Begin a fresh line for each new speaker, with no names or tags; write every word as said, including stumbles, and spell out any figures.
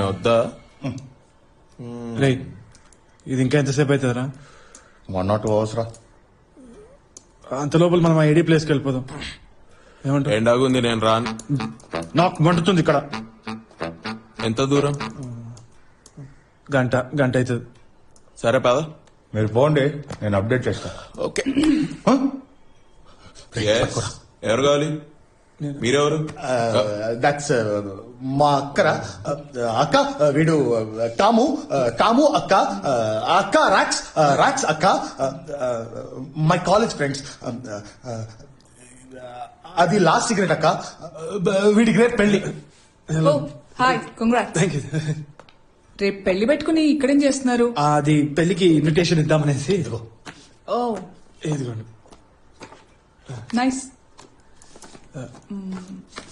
వద్దా?
రే ఇది ఇంకా ఎంతసేపు అవుతుందిరా?
వన్ నాట్ టూ అవర్స్ రా.
అంత లోపల మనం ఆ ఏడీ ప్లేస్కి వెళ్ళిపోదాం. ఏమంటావు?
ఎండాగుంది, నేను రాను.
నాకు మండుతుంది ఇక్కడ.
ఎంత దూరం?
గంట గంట అవుతుంది.
సరే పద.
మీరు పోండి, నేను అప్డేట్ చేస్తా.
ఓకే. ఎవరు కావాలి? మీరెవరు?
దట్స్ మా అక్కరా. అక్క వీడు టాము. టాము అక్క. అక్క రాక్స్. రాక్స్ అక్క. My college friends. అది లాస్ట్ సిగరెట్ అక్క. వీడికి రేపు పెళ్లి.
Hi, congrats.
Thank you.
రేపు పెళ్లి పెట్టుకుని ఇక్కడేం చేస్తున్నారు?
అది పెళ్లికి ఇన్విటేషన్ ఇద్దామనేసి. ఇదిగో.
ఓ
ఇదిగోండి.
నైస్.